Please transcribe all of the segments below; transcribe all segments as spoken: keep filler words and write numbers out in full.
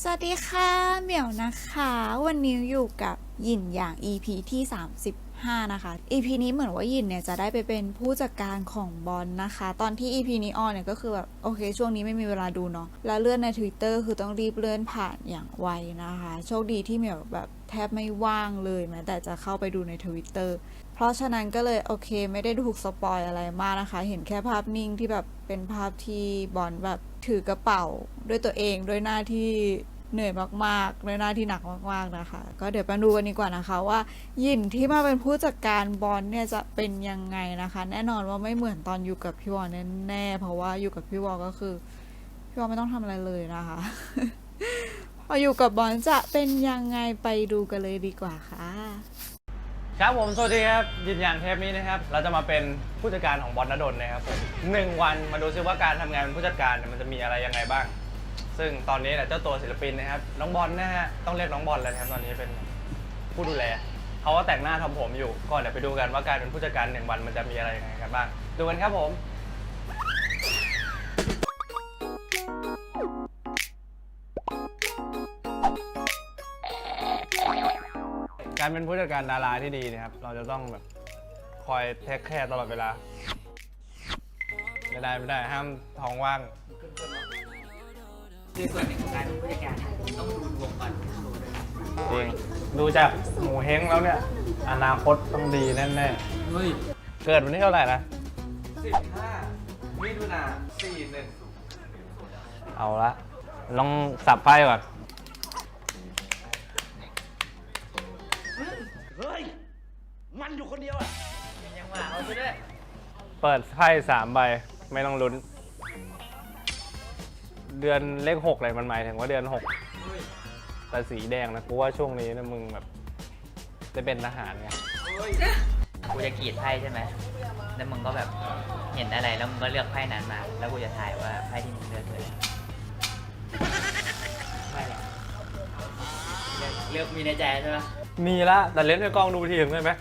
สวัสดีค่ะเหมียวนะคะวันนี้อยู่กับหยินอย่าง อี พี ที่สามสิบห้านะคะ อี พี นี้เหมือนว่าหยินเนี่ยจะได้ไปเป็นผู้จัดการของบอลนะคะตอนที่ อี พี นี้ออนเนี่ยก็คือแบบโอเคช่วงนี้ไม่มีเวลาดูเนาะแล้วเลื่อนใน Twitter คือต้องรีบเลื่อนผ่านอย่างไวนะคะโชคดีที่เหมียวแบบแทบไม่ว่างเลยแม้แต่จะเข้าไปดูใน Twitter เพราะฉะนั้นก็เลยโอเคไม่ได้ถูกสปอยอะไรมากนะคะเห็นแค่ภาพนิ่งที่แบบเป็นภาพที่บอลแบบถือกระเป๋าด้วยตัวเองด้วยหน้าที่เหนื่อยมากๆด้วยหน้าที่หนักมากๆนะคะก็เดี๋ยวไปดูกันดีกว่านะคะว่าหยินที่มาเป็นผู้จัดการบอลเนี่ยจะเป็นยังไงนะคะแน่นอนว่าไม่เหมือนตอนอยู่กับพี่วอลแน่ๆเพราะว่าอยู่กับพี่วอลก็คือพี่วอลไม่ต้องทำอะไรเลยนะคะ พออยู่กับบอลจะเป็นยังไงไปดูกันเลยดีกว่าค่ะครับผมสวัสดีครับยืนยันเทปนี้นะครับเราจะมาเป็นผู้จัดการของบอลณดลนะครับผมหนึ่งวันมาดูซิว่าการทำงานเป็นผู้จัดการมันจะมีอะไรยังไงบ้างซึ่งตอนนี้เจ้าตัวศิลปินนะครับน้องบอลนะฮะต้องเรียกน้องบอลแล้วนะครับตอนนี้เป็นผู้ดูแลเขาก็แต่งหน้าทำผมอยู่ก็เดี๋ยวไปดูกันว่าการเป็นผู้จัดการหนึ่งวันมันจะมีอะไรยังไงกันบ้างดูกันครับผมการเป็นผู้จัดการดาราที่ดีนะครับเราจะต้องแบบคอยเทคแคร์ตลอดเวลาไม่ได้ไม่ได้ห้ามท้องว่างคือส่วนหนึ่งของการเป็นผู้จัดการต้องดูดวงก่อนจริงดูจากหมูเฮงแล้วเนี่ยอนาคตต้องดีแน่ๆเฮ้ยเกิดวันที่เท่าไหร่นะสิบห้ามิถุนาสี่หนึ่งเอาละลองสับไพ่ก่อนเฮ้ยมันอยู่คนเดียวอ่ะยังว่าเอาไปด้วยเปิดไพ่สามใบไม่ต้องลุ้นเดือนเลขหกเลยมันหมายถึงว่าเดือนหกแต่สีแดงนะกูว่าช่วงนี้นะมึงแบบจะเป็นทหารไงกูจะกรีดไพ่ใช่ไหมแล้วมึงก็แบบเห็นอะไรแล้วมึงก็เลือกไพ่นั้นมาแล้วกูจะถ่ายว่าไพ่ที่มึงเลือกเลยไม่หรอกเลือกมีในใจใช่ไหมมีละแต่เล่นในกล้องดูทีถึงได้ไหม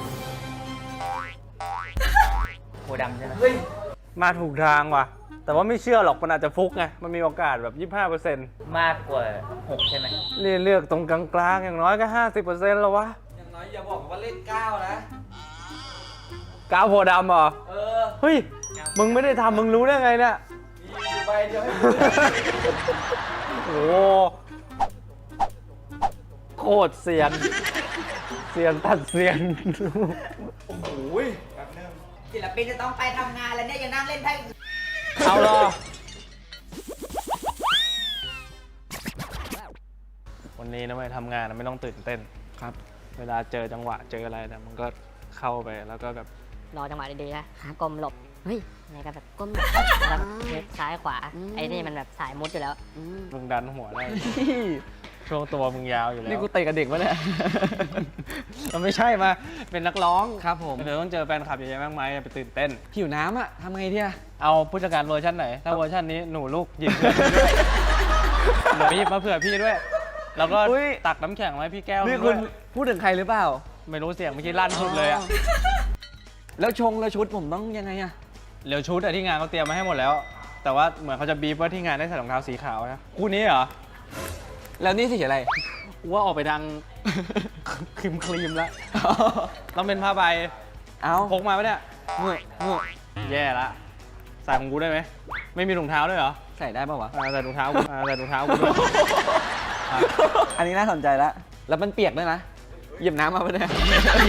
โคดำใช่ไหมมาถูกทางว่ะแต่ว่าไม่เชื่อหรอกมันอาจจะฟุกไงมันมีโอกาสแบบ ยี่สิบห้าเปอร์เซ็นต์มากกว่าหกใช่ไหมเลือกตรงกลางๆอย่างน้อยก็ ห้าสิบเปอร์เซ็นต์ แล้ววะอย่างน้อยอย่าบอกว่าเล่นเก้านะเก้าโพดำเหรอเออเฮ้ยมึงไม่ได้ทำมึงรู้ได้ไงเนี่ยมีอยู่ใบเดียวให้โอ้โคตรเซียนเซียนตัดเซียนโอ้โหแบบนึงศิลปินจะต้องไปทำงานแล้วเนี่ยยังนั่งเล่นไพ่เอาหรอวันนี้นะไม่ทำงานนะไม่ต้องตื่นเต้นครับเวลาเจอจังหวะเจออะไรเนี่ยมันก็เข้าไปแล้วก็แบบรอจังหวะดีๆนะหากลมหลบเฮ้ยในการแบบก้มแบบแล้วเช็คซ้ายขวาไอ้นี่มันแบบสายมุดอยู่แล้วมึงดันหัวได้ช่วงตัวมึงยาวอยู่แล้วนี่กูเตะกับเด็กวะเนี่ยมันไม่ใช่มาเป็นนักร้องครับผมเดี๋ยวต้องเจอแฟนคลับเยอะๆมากมายไปตื่นเต้นหิวน้ำอ่ะทำไงเที่ยเอาผู้จัดการเวอร์ชันไหนถ้าเวอร์ชันนี้หนูลูกหยิบหนูหยิบมาเผื่อพี่ด้วยแล้วก็ตักน้ำแข็งไว้พี่แก้วนี่คุณพูดถึงใครหรือเปล่าไม่รู้เสียงเมื่อกี้ลั่นชุดเลยอะแล้วชงแล้วชุดผมต้องยังไงอะเดี๋ยวชุดอะที่งานเขาเตรียมมาให้หมดแล้วแต่ว่าเหมือนเขาจะบีบว่าที่งานได้ใส่รองเท้าสีขาวนะคู่นี้เหรอแล้วนี่สีอะไรว่าออกไปดังครีมครีมแล้วต้องเป็นผ้าใบเอาพกมาปะเนี่ยเมื่อเมื่อแย่ละใส่ของกูได้ไหมไม่มีถุงเท้าด้วยเหรอใส่ได้ป่าววะใส่ถุงเท้ากูใส่ถุงเท้ากูด้วยอันนี้น่าสนใจแล้วแล้วมันเปียกด้วยนะหยิบน้ำมาปะเนี่ย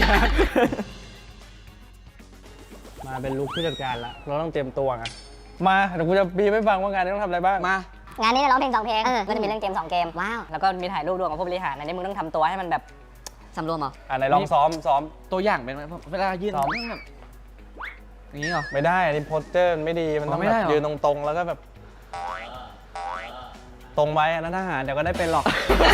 มาเป็นลุคผู้จัดการแล้วเราต้องเตรียมตัวไงมาเดี๋ยวกูจะบีบให้ฟังว่างานนี้ต้องทำอะไรบ้างมางานนี้ร้องเพลงสองเพลงก็จะมีเล่นเกมสองเกมว้าวแล้วก็มีถ่ายรูปด้วยกับผู้บริหารอันนี้มึงต้องทำตัวให้มันแบบสำรวมเหรออ่ะไหนลองซ้อมซ้อมตัวอย่างเป็นเวลายืนซ้อมแบบอย่างนี้เหรอไม่ได้อันนี้โพสเจอร์ไม่ดีมันต้องแบบยืนตรงๆแล้วก็แบบตรงไปนะทหารเดี๋ยวก็ได้เป็นหรอก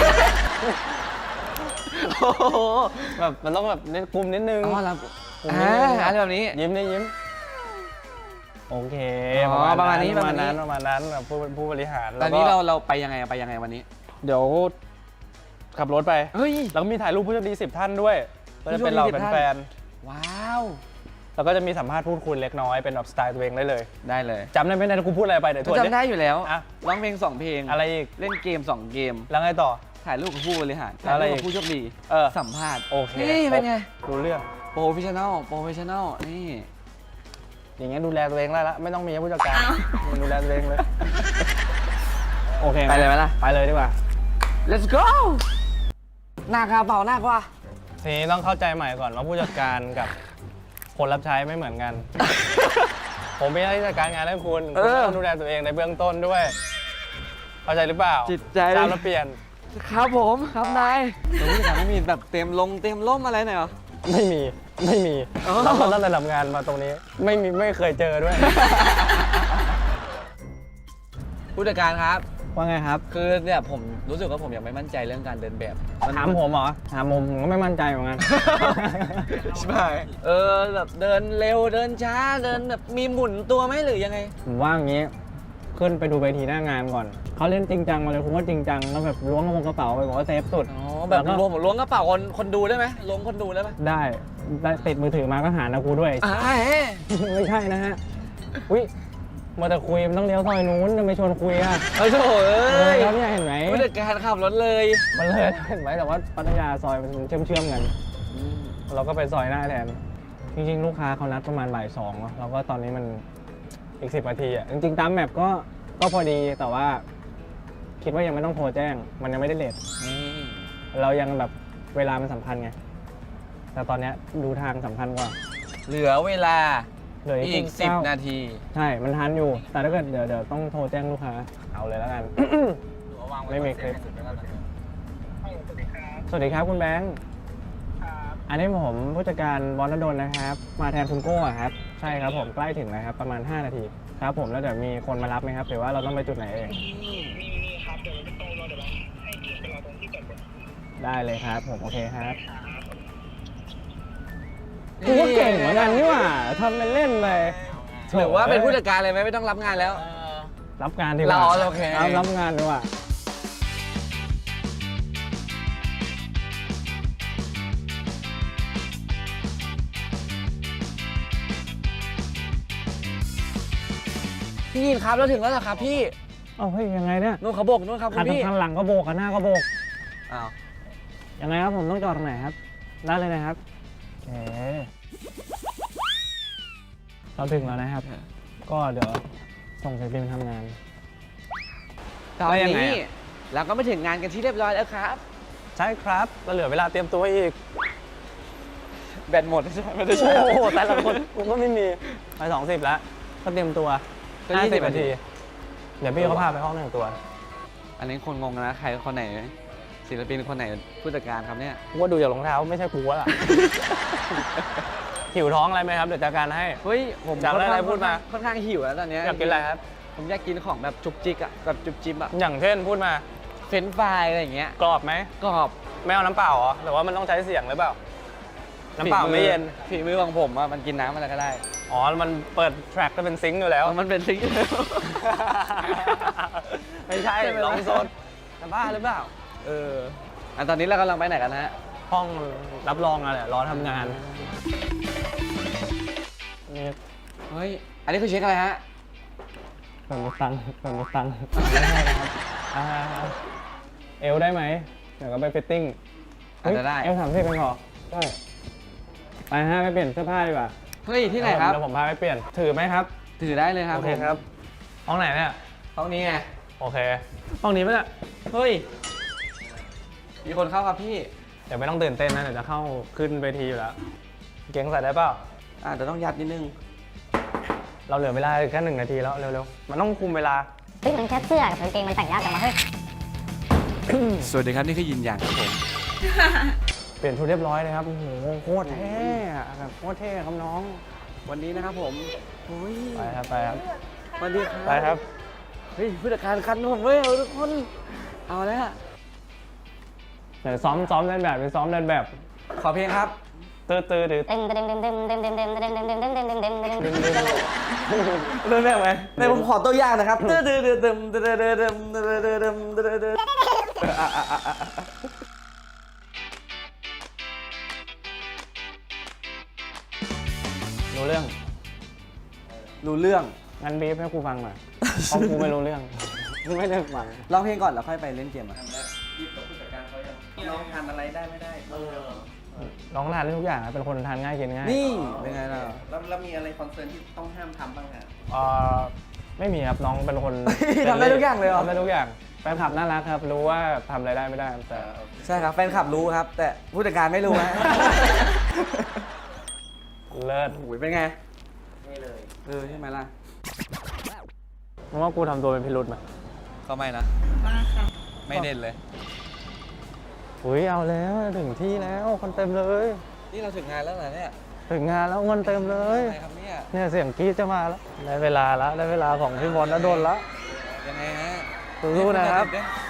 แบบมันต้องแบบกลุ่มนิดนึงอ๋อแล้วอะไรแบบนี้ยิ้มได้ยิ้มโอเคประมาณนี้ประมาณนั้นประมาณนั้นแบบผู้ผู้บริหารตอนนี้เราเราไปยังไงไปยังไงวันนี้เดี๋ยวขับรถไปเฮ้ยแล้วก็มีถ่ายรูปผู้โชคดีสิบท่านด้วยก็จะเป็นเราเป็นแฟนว้าวแล้วก็จะมีสัมภาษณ์พูดคุยเล็กน้อยเป็นแบบสไตล์ตัวเองได้เลยได้เลยจำได้ไหมเนยกูพูดอะไรไปเดี๋ยวทวนดิจำได้อยู่แล้วอ่ะร้องเพลงสองเพลงอะไรอีกเล่นเกมสองเกมแล้วไงต่อถ่ายรูปกับผู้บริหารแล้วอะไรถ่ายรูปอีกกับผู้โชคดีเออสัมภาษณ์โอเคนี่เป็นไงรู้เรื่องโปรเฟชชั่นอลโปรเฟชชั่นอลนี่อย่างเงี้ยดูแลตัวเองได้ละไม่ต้องมีผู้จัดการมึงดูแลตัวเองเลย โอเคไปเลยไหมล่ะไปเลยดีกว่า let's go หน้ากระเป๋าหน้ากว่าทีนี้ต้องเข้าใจใหม่ก่อนว่าผู้จัดการกับคนรับใช้ไม่เหมือนกัน ผมเป็นหน้าที่จัดการงานให้คุณเอคุณอต้องดูแลตัวเองในเบื้องต้นด้วย เข้าใจหรือเปล่าจิตใจทราบแล้วเปลี่ยนครับผมครับนายแต่ผู้จัดการไม่มีแบบเต็มลงเต็มล่มอะไรหน่อยเหรอไม่มีไม่มีอ๋อเราตั้งแต่ทำงานมาตรงนี้ ไม่มีไม่เคยเจอด้วยผู้จัดการครับว่าไงครับคือเนี่ยผมรู้สึกว่าผมยังไม่มั่นใจเรื่องการเดินแบบนถามผมเหรอถามผมผมก็ไม่มั่นใจเหมือนกันใช่ไหมเออแบบเดินเร็วเดินช้าเดินแบบมีหมุนตัวไหมหรือยังไงผมว่าอย่างนี้ขึ้นไปดูเวทีหน้างานก่อนเขาเล่นจริงจังมาเลยผมก็จริงจังแล้วแบบล้วงกระเป๋าไปบอกว่าเซฟสุดอ๋อแบบล้วรก็วมล้วงกระเป๋าคนคนดูได้ไหมล้วงคนดูได้ไหมได้ได้ติดมือถือมาก็หานะกูด้วยอ่าเฮ้ยไม่ใช่นะฮะอุ้ยมาแต่คุยมันต้องเลี้ยวซอยนู้นทำไมชวนคุยอ่ะเอ้ยโถ่เอ้เออย แล้วเนี่ยเห็นไหมผู้จัดการขับรถเลยมันเลยเห็นไหมแต่ว่าพัทยาซอยมันเชื่อมเชื่อมๆกัน เราก็ไปซอยหน้าแทนจริงๆลูกค้าเขานัดประมาณบ่ายสองเนาะแล้วก็ตอนนี้มันอีกสิบนาทีอ่ะจริงๆตามแมปก็ก็พอดีแต่ว่า คิดว่ายังไม่ต้องโทรแจ้ง มันยังไม่ได้เลทอืมเรายังแบบเวลามันสำคัญไงแต่ตอนเนี้ยดูทางสำคัญกว่าเหลือเวลาเหลืออีอีกกสิบเก้านาทีใช่ มันทันอยู่ แต่ถ้าเกิดเดี๋ยวเดี๋ยวต้องโทรแจ้งลูกค้า เอาเลยแล้วกัน ไม่มีคลิป สวัสดีครับคุณแบงค์อันนี้ผมผู้จัดการวอนดลนะครับ มาแทนคุณโก้อะครับ ใช่ครับผมใกล้ถึงแล้วครับ ประมาณ ห้า นาที ครับผมแล้วเดี๋ยวมีคนมารับไหมครับหรือว่าเราต้องไปจุดไหนเอง ได้เลยครับผมโอเคครับกูก็เก่งเหมือนกันนี่หว่าทำเป็นเล่นไปหรือว่าเป็นผู้จัดการเลยไหมไม่ต้องรับงานแล้วรับงานดีกว่าเราโอเครับรับงานดีกว่าพี่ยินครับเราถึงแล้วเหรอครับพี่เอ้าเฮ้ยยังไงเนี่ยนู่นเขาโบกนู่นครับคุคัณนพี่ข้างหลังก็โบกคันหน้าก็โบกอ้าวยังไงครับผมต้องจอดตรงไหนครับได้เลยนะครับโอเคเราถึงแล้วนะครับ ก็เดี๋ยวส่งศิลปินไปทำงานตอนแล้วยังไงนี้อะเราก็มาถึงงานกันที่เรียบร้อยแล้วครับใช่ครับเราเหลือเวลาเตรียมตัวอีกแบตหมดใช่ไหมไม่ได้ใช่โอ้โหแต่ละคนกูก็ไม่มีไปสองสิบแล้วก็เตรียมตัวก็ห้ายี่สิสิบบ นานาทีที เดี๋ยวพี่เขาพาไปห้องแต่งตัวอันนี้คนงงนะใครคนไหนศิลปินคนไหนผู้จัดการครับเนี่ยกูว่าดูจากรองเท้าไม่ใช่กูแล้วล่ะ หิวท้องอะไรไหมครับเดี๋ยวจัดการให้เฮ้ยผมอยากได้อะไรพูดมาค่อนข้างหิวแล้วตอนเนี้อยากกินอะไรครับผมอยากกินของแบบจุกจิกอะแบบจุบจิบอะอย่างเช่นพูดมาเฟรนช์ฟรายอะไรอย่างเงี้ยกรอบไหมกรอบไม่เอาน้ำเปล่าเหรอหรือว่ามันต้องใช้เสียงหรือเปล่า น้ำเปล่าไม่เย็นฝีมือของผมอะมันกินน้ำอะไรก็ได้อ๋อ มันเปิดแทร็กก็เป็นซิงค์อยู่แล้วมันเป็นซิงค์อยู่แล้วไม่ใช่ใช่ไหมลองโซนจะบ้าหรือเปล่าเอออันตอนนี้เรากำลังไปไหนกันนะฮะห้องรับรองอะไรรอทำงานนี่เฮ้ยอันนี้คือเช็คอะไรฮะเปิดมือตังค์เปิดมือตังค์ไม่ใช่นะครับอ่าเอวได้ไหมเดี๋ยวก็ไปฟิตติ้งอาจจะได้เอวสามสิบเป็นพอได้ไปฮะไปเปลี่ยนเสื้อผ้าดีกว่าเฮ้ยที่ไหนครับเดี๋ยวผมพาไปเปลี่ยนถือไหมครับถือได้เลยครับโอเคผมครับห้องไหนเนี่ยห้องนี้ไงโอเคห้องนี้ปะเนี่ยเฮ้ยมีคนเข้าครับพี่เดี๋ยวไม่ต้องตื่นเต้นนะเดี๋ยวจะเข้าขึ้นเวทีอยู่แล้วเก่งใส่ได้เปล่าอาจจะต้องยัดนิดนึงเราเหลือเวลาแค่หนึ่งนาทีแล้วเร็วๆมันต้องคุมเวลาเฮ้ยมันแค่เสื้อกับกางเกงมันแต่งยากจังวะเฮ้ยสวัสดีครับนี่คือยินอย่างครับผมเปลี่ยนชุดเรียบร้อยเลยครับโอ้โหโคตรเท่อะแบบโคตรเท่ครับน้องวันนี้นะครับผมโอ้ยไปครับไปครับสวัสดีครับไปครับเฮ้ยผู้จัดการคันผมเว้ยเอาทุกคนเอาแล้วเดี๋ยวซ้อมซ้อมเล่นแบบเป็นซ้อมเล่นแบบขอเพลงครับตื้อตื้อดื้อเต็มเต็มเต็มเต็มเต็มเต็มเต็มเต็มเต็มเต็มเต็มเต็มเต็มเต็มเต็มเต็มเต็มเริ่มแรกไหมในผมขอตัวอย่างนะครับเดิมเดิมเดิมเดิมเดิมเดิมเดิมเดิมเดิมเดิมเดิมเดิมรู้เรื่องรู้เรื่องงั้นบีฟให้กูฟังหน่อยเพราะกูไม่รู้เรื่องกูไม่ได้ฟังร้องเพลงก่อนแล้วค่อยไปเล่นเกมอ่ะน้องทานอะไรได้ไม่ได้เออน้องทานได้ทุกอย่างครับเป็นคนทานง่ายกินง่ายนี่เป็นไงล่ะแล้วแล้วมีอะไรคอนเซิร์นที่ต้องห้ามทำบ้างฮะเอ่อไม่มีครับน้องเป็นคนทำได้ทุกอย่างเลยเหรอทำได้ทุกอย่างแฟนคลับน่ารักครับ รู้ว่าทำอะไรได้ไม่ได้แต่ใช่ครับแฟนคลับรู้ครับ แต่ผู้จัดการไม่รู้ฮะเลิศโอ้ยเป็นไงนี่เลยเออใช่ไหมล่ะมึงว่ากูทำตัวเป็นพิรุธไหมก็ไม่นะมากค่ะไม่เด่นเลยอุ้ยเอาแล้วถึงที่แล้วคนเต็มเลยนี่เราถึงงานแล้วเหรอเนี่ยถึงงานแล้วเงินเต็มเลยอะไรครับเนี่ยเนี่ยเสียงกรี๊ดจะมาแล้วได้เวลาแล้วได้เวลาของพี่บอลแล้วโดนแล้วยังไงฮะสู้ๆนะครับ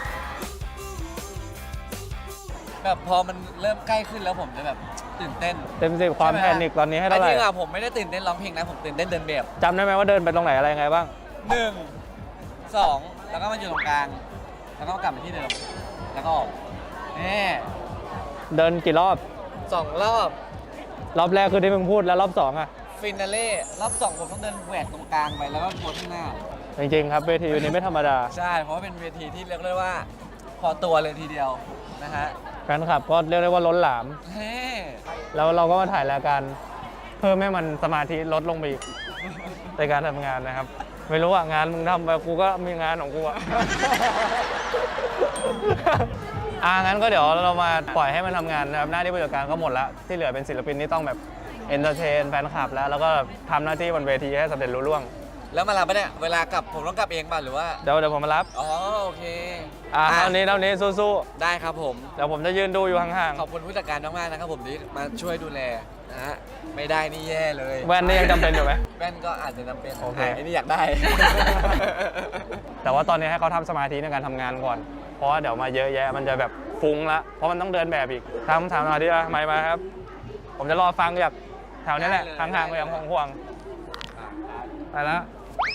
แบบพอมันเริ่มใกล้ขึ้นแล้วผมจะแบบตื่นเต้นเต็มสิบความแพนิคตอนนี้ให้เท่าไหร่จริงอ่ะผมไม่ได้ตื่นเต้นร้องเพลงนะผมตื่นเต้นเดินแบบจำได้ไหมว่าเดินไปตรงไหนอะไรยังไงบ้างหนึ่งสองแล้วก็มาอยู่ตรงกลาง แล้วก็กลับไปที่เดิม แล้วก็ออกนี่เดินกี่รอบสองรอบรอบแรกคือที่มึงพูดแล้วรอบสองอ่ะฟินาเล่รอบสองผมต้องเดินแหวกตรงกลางไปแล้วก็โพสข้างหน้าจริงๆครับเวทีวันนี้ไม่ธรรมดาใช่เพราะว่าเป็นเวทีที่เรียกได้ว่า พอตัวเลยทีเดียวนะฮะแฟนคลับก็เรียกได้ว่าล้นหลามเฮ้แล้วเราก็มาถ่ายรายการเพิ่มให้มันสมาธิลดลงไปอีกในการทำงานนะครับ ไม่รู้อ่ะงานมึงทำไปกูก็มีงานของกูอ่ะ อ่างั้นก็เดี๋ยวเรามาปล่อยให้มันทำงานนะครับหน้าที่ผู้จัดการก็หมดแล้วที่เหลือเป็นศิลปินที่ต้องแบบเอนเตอร์เทนแฟนคลับแล้วแล้วก็ทำหน้าที่บนเวทีให้สำเร็จรุ่ล่วงแล้วมารับปะเนี่ยเวลากลับผมต้องกลับเองป่ะหรือว่าเดี๋ยวเดี๋ยวผมมารับอ๋อโอเคอ่าอ่ะเท่านี้เท่านี้สู้ได้ครับผมๆเดี๋ยวผมจะยืนดูอยู่ห่างขอบคุณผู้จัดการมากๆนะครับผมที่มาช่วยดูแลนะฮะไม่ได้นี่แย่เลยๆแว่นนี่ยังจำเป็นอยู่ไหมแว่นก็อาจจะจำเป็นโอเคะไอ้นี่อยากได้แต่ว่าตอนนี้ให้เขาทำสมาธิในการทำงานก่อน เพราะว่าเดี๋ยวมาเยอะแยะมันจะแบบฟุ้งละ เพราะมันต้องเดินแบบอีกทำถามสมาธิอะไม่มาครับ ผมจะรอฟังจากแถวนี้แหละได้เลยห่างๆไปอย่างห่วงๆไปแล้ว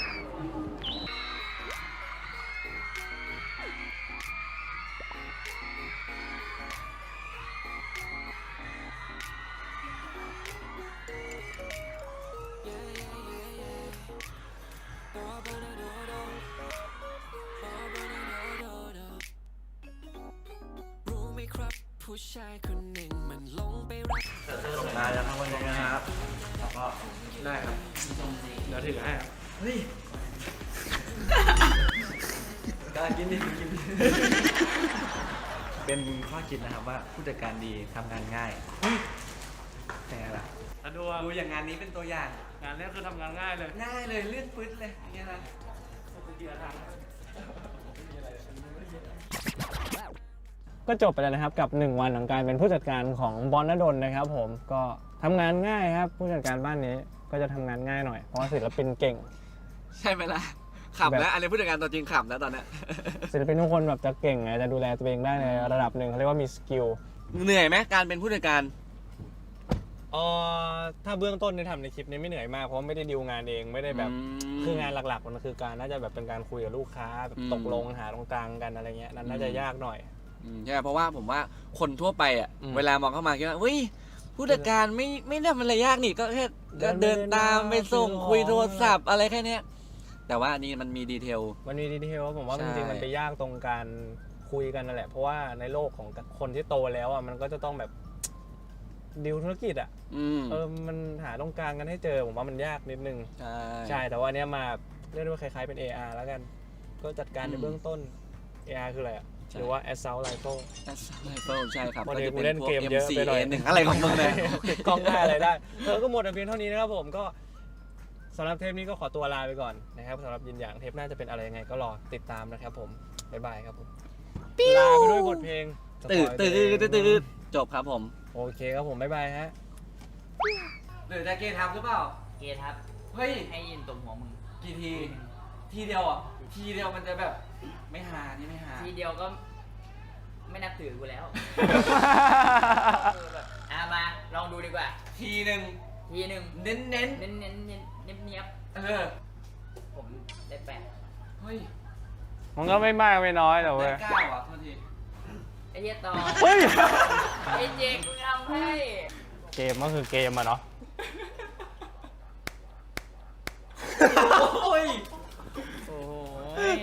มาแล้วครับวันนี้นะครับแล้วก็ได้ครับเดี๋ยวถือให้ครับเฮ้ยกล้ากินดิกินดิเป็นข้อคิดนะครับว่าผู้จัดการดีทำงานง่ายแต่ไงล่ะถ้าดูดูอย่างงานนี้เป็นตัวอย่างงานนี้คือทำงานง่ายเลยง่ายเลยเลื่อนปื๊ดเลยอย่างเงี้ยนะก็จบไปแล้วนะครับกับหนึ่งวันของการเป็นผู้จัดการของบอลณดลนะครับผมก็ทำงานง่ายครับผู้จัดการบ้านนี้ก็จะทำงานง่ายหน่อยเพราะว่าศิลปินเก่งใช่ไหมล่ะขำแล้วอันนี้ผู้จัดการตัวจริงขำแล้วตอนเนี้ยศิลปินทุกคนแบบจะเก่งไงจะดูแลตัวเองได้ในระดับหนึ่งเขาเรียกว่ามีสกิลเหนื่อยไหมการเป็นผู้จัดการเออถ้าเบื้องต้นในทำในคลิปนี้ไม่เหนื่อยมากเพราะไม่ได้ดีลงานเองไม่ได้แบบอืมคืองานหลักๆมันคือการน่าจะแบบเป็นการคุยกับลูกค้าแบบอืมตกลงหาตรงกลางกันอะไรเงี้ยนั่นน่าจะยากหน่อยอืมใช่เพราะว่าผมว่าคนทั่วไปอ่ะอืมเวลามองเข้ามาคิดว่าเฮ้ยผู้จัดการไม่ไม่ได้มันอะไรยากนี่ก็แค่เดินไปเดินตามเดินมาไปส่งซื้อของคุยโทรศัพท์อะไรแค่เนี้ยแต่ว่าอันนี้มันมีดีเทลมันมีดีเทลผมว่าใช่จริงๆมันไปยากตรงการคุยกันนั่นแหละเพราะว่าในโลกของคนที่โตแล้วอ่ะมันก็จะต้องแบบดีลธุรกิจอ่ะอืมเออมันหาตรงกลางกันให้เจอผมว่ามันยากนิดนึงใช่ใช่แต่ว่าอันเนี้ยมาเรียกได้ว่าคล้ายๆเป็น เอ อาร์ แล้วกัน ก็จัดการในเบื้องต้น เอ อาร์ คืออะไรอ่ะหรือว่า Assault Rifle แอสไลเฟิลใช่ครับวันก็นี้จะกูเป็นเล่นพวกเกมเยอะไปหน่อยเอ็ม ซี เอ หนึ่งอะไรของมึงเนี่ยติดกล้องได้อะไรได้เออก็หมดแต่เพียงเท่านี้นะครับผมก็สำหรับเทปนี้ก็ขอตัวลาไปก่อนนะครับสำหรับยินอย่างเทปหน้าจะเป็นอะไรยังไงก็รอติดตามนะครับผมบ๊ายบายครับผมลาไปด้วยบทเพลงตื่นสปอยตื่นตัวเองตื่นตื่นจบครับผมโอเคครับผมบ๊ายบายฮะหรือจะเกย์ทำหรือเปล่าเกย์ครับเฮ้ยให้ยินตรงหัวมึงกี่ที ทีเดียวอ่ะ ทีเดียวมันจะแบบ ไม่หานี่ไม่หาทีเดียวก็ไม่นับถือกูแล้ว อ่ะมาลองดูดีกว่าทีหนึ่งทีหนึ่งเน้นเน้นเน้นเน้นเน้นเนียบเนียบๆเออผมได้แปดเฮ้ยมันก็ไม่มากไม่น้อยแต่เว้ได้ยเก้าอ่ะโทษทีไอ้เหี้ยต่อเฮ้ยไอ้เจ๊กมึงทำให้เกมก็คือเกมอะเนาะโอ้ยโอ้ย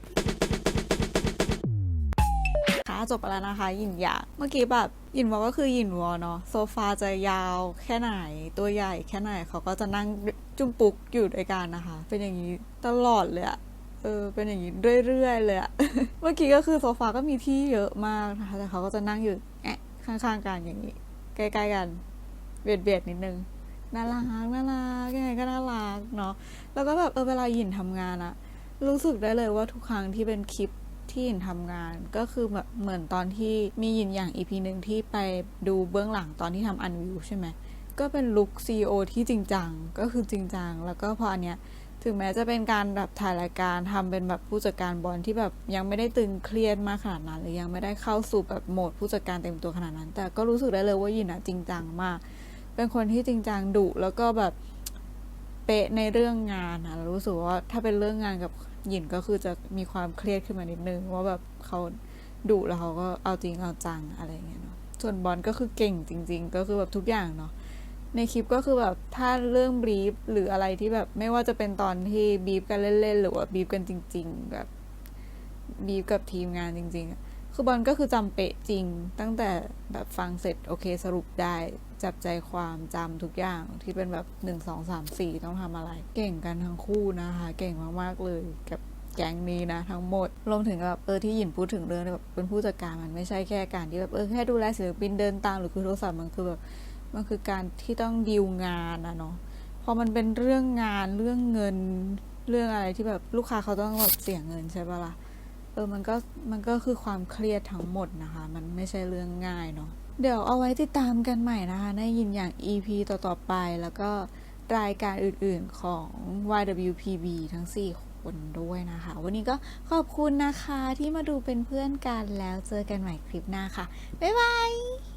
ค่ะจบไปแล้วนะคะหยินหยางเมื่อกี้แบบหยินวอก็คือหยินวอเนาะโซฟาจะยาวแค่ไหนตัวใหญ่แค่ไหนเขาก็จะนั่งจุ่มปุกอยู่ด้วยกันนะคะ เป็นอย่างนี้ตลอดเลยอะเออเป็นอย่างนี้เรื่อยๆเลยอะ เมื่อกี้ก็คือโซฟาก็มีที่เยอะมากนะคะแต่เขาก็จะนั่งอยู่แอะข้างๆกันอย่างนี้ ใกล้ๆกันเบียดเบียดๆนิดนึงน่ารักน่ารักยังไงก็น่ารักเนาะแล้วก็แบบเออเวลาหยินทำงานอะรู้สึกได้เลยว่าทุกครั้งที่เป็นคลิปที่หยินทำงานก็คือแบบเหมือนตอนที่มีหยินอย่าง อี พี หนึ่งที่ไปดูเบื้องหลังตอนที่ทำอันวิวใช่ไหมก็เป็นลุค ซี อี โอ ที่จริงจังก็คือจริงจังแล้วก็พออันเนี้ยถึงแม้จะเป็นการแบบถ่ายรายการทำเป็นแบบผู้จัดการบอลที่แบบยังไม่ได้ตึงเครียดมากขนาดนั้นหรือยังไม่ได้เข้าสู่แบบโหมดผู้จัดการเต็มตัวขนาดนั้นแต่ก็รู้สึกได้เลยว่าหยินอะจริงจังมากเป็นคนที่จริงจังดุแล้วก็แบบเป๊ะในเรื่องงานอะรู้สึกว่าถ้าเป็นเรื่องงานกับหยินก็คือจะมีความเครียดขึ้นมานิดนึงว่าแบบเขาดุแล้วเขาก็เอาจริงเอาจังอะไรอย่างเงี้ยเนาะส่วนบอลก็คือเก่งจริงๆก็คือแบบทุกอย่างเนาะในคลิปก็คือแบบถ้าเรื่องบรีฟหรืออะไรที่แบบไม่ว่าจะเป็นตอนที่บรีฟกันเล่นๆหรือว่าบรีฟกันจริงๆแบบบรีฟกับทีมงานจริงๆอะคือบอลก็คือจำเป๊ะจริงตั้งแต่แบบฟังเสร็จโอเคสรุปได้จับใจความจำทุกอย่างที่เป็นแบบหนึ่งสองสามสี่ต้องทำอะไรเก่งกันทั้งคู่นะคะเก่งมากๆเลยกับแก๊งนี้นะทั้งหมดรวมถึงแบบเออที่หยินพูดถึงเรื่องแบบเป็นผู้จัดการมันไม่ใช่แค่การที่แบบเออแค่ดูแลศิลปินเดินตามหรือคุยโทรศัพท์มันคือแบบมันคือการที่ต้องดีลงานนะเนาะพอมันเป็นเรื่องงานเรื่องเงินเรื่องอะไรที่แบบลูกค้าเขาต้องแบบเสียเงินใช่ปะล่ะเออมันก็มันก็คือความเครียดทั้งหมดนะคะมันไม่ใช่เรื่องง่ายเนาะเดี๋ยวเอาไว้ติดตามกันใหม่นะคะในยินอย่าง อี พี ต่อๆไปแล้วก็รายการอื่นๆของ วาย ดับเบิลยู พี บี ทั้งสี่คนด้วยนะคะวันนี้ก็ขอบคุณนะคะที่มาดูเป็นเพื่อนกันแล้วเจอกันใหม่คลิปหน้าค่ะบ๊ายบาย